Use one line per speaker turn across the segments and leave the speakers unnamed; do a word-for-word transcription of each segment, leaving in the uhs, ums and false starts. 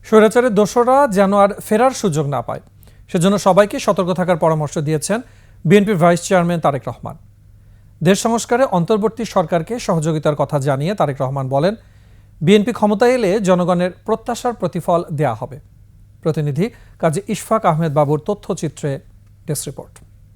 স্বৈরাচারের দোসররা যেন আর ফেরার সুযোগ না পায়, সেজন্য সবাইকে সতর্ক থাকার পরামর্শ দিয়েছেন বিএনপির ভাইস চেয়ারম্যান তারেক রহমান। দেশ সংস্কারে অন্তর্বর্তী সরকারকে সহযোগিতার কথা জানিয়ে তারেক রহমান বলেন, বিএনপি ক্ষমতায় এলে জনগণের প্রত্যাশার প্রতিফল দেয়া হবে। প্রতিনিধি কাজী ইশফাক আহমেদ বাবুর তথ্যচিত্রে ডেস্ক রিপোর্ট।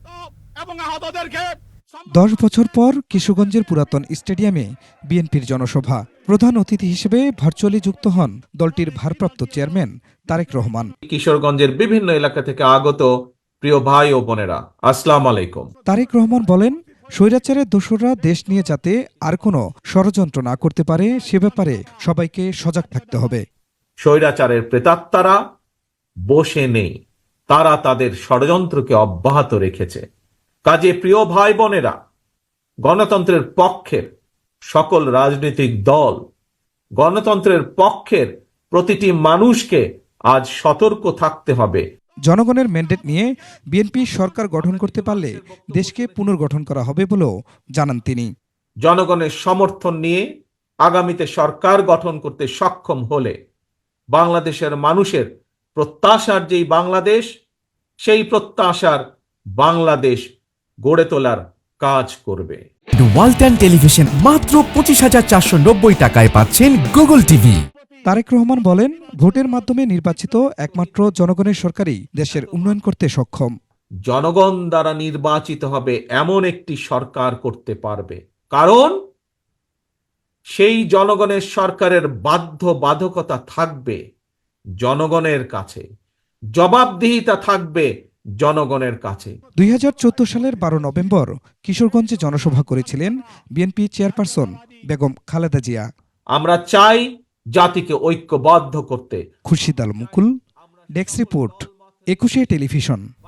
দশ বছর পর কিশোরগঞ্জের পুরাতন স্টেডিয়ামে বিএনপির জনসভা। প্রধান অতিথি হিসেবে ভার্চুয়ালি যুক্ত হন দলটির ভারপ্রাপ্ত চেয়ারম্যান তারেক রহমান।
কিশোরগঞ্জের বিভিন্ন এলাকা থেকে আগত প্রিয় ভাই ও বোনেরা, আসসালামু আলাইকুম।
তারেক রহমান বলেন, স্বৈরাচারের দোসররা দেশ নিয়ে যাতে আর কোনো ষড়যন্ত্র না করতে পারে সে ব্যাপারে সবাইকে সজাগ থাকতে হবে।
স্বৈরাচারের প্রেতাত্মারা বসে নেই, তারা তাদের ষড়যন্ত্রকে অব্যাহত রেখেছে। কাজে প্রিয় ভাই বোনেরা, গণতন্ত্রের পক্ষের সকল রাজনৈতিক দল, গণতন্ত্রের পক্ষের প্রতিটি মানুষকে আজ সতর্ক থাকতে হবে।
জনগণের ম্যান্ডেট নিয়ে বিএনপি সরকার গঠন করতে পারলে দেশকে পুনর্গঠন করা হবে বলেও জানান তিনি।
জনগণের সমর্থন নিয়ে আগামীতে সরকার গঠন করতে সক্ষম হলে বাংলাদেশের মানুষের প্রত্যাশার যেই বাংলাদেশ, সেই প্রত্যাশার বাংলাদেশ গড়ে তোলার কাজ করবে।
ওয়ালটন টেলিভিশন মাত্র পঁচিশ হাজার চারশো নব্বই টাকায় পাচ্ছেন গুগল টিভি।
তারেক রহমান বলেন, ভোটের মাধ্যমে নির্বাচিত একমাত্র জনগণের সরকারই দেশের উন্নয়ন করতে সক্ষম।
জনগণ দ্বারা নির্বাচিত হবে এমন একটি সরকার করতে পারবে, কারণ সেই জনগণের সরকারের বাধ্যবাধকতা থাকবে জনগণের কাছে, জবাবদিহিতা থাকবে জনগণের কাছে।
দুই হাজার চোদ্দ সালের বারো নভেম্বর কিশোরগঞ্জে জনসভা করেছিলেন বিএনপি চেয়ারপারসন বেগম খালেদা জিয়া।
আমরা চাই জাতিকে ঐক্যবদ্ধ করতে।
Khurshid Al Mukul, desk report, Ekushey television.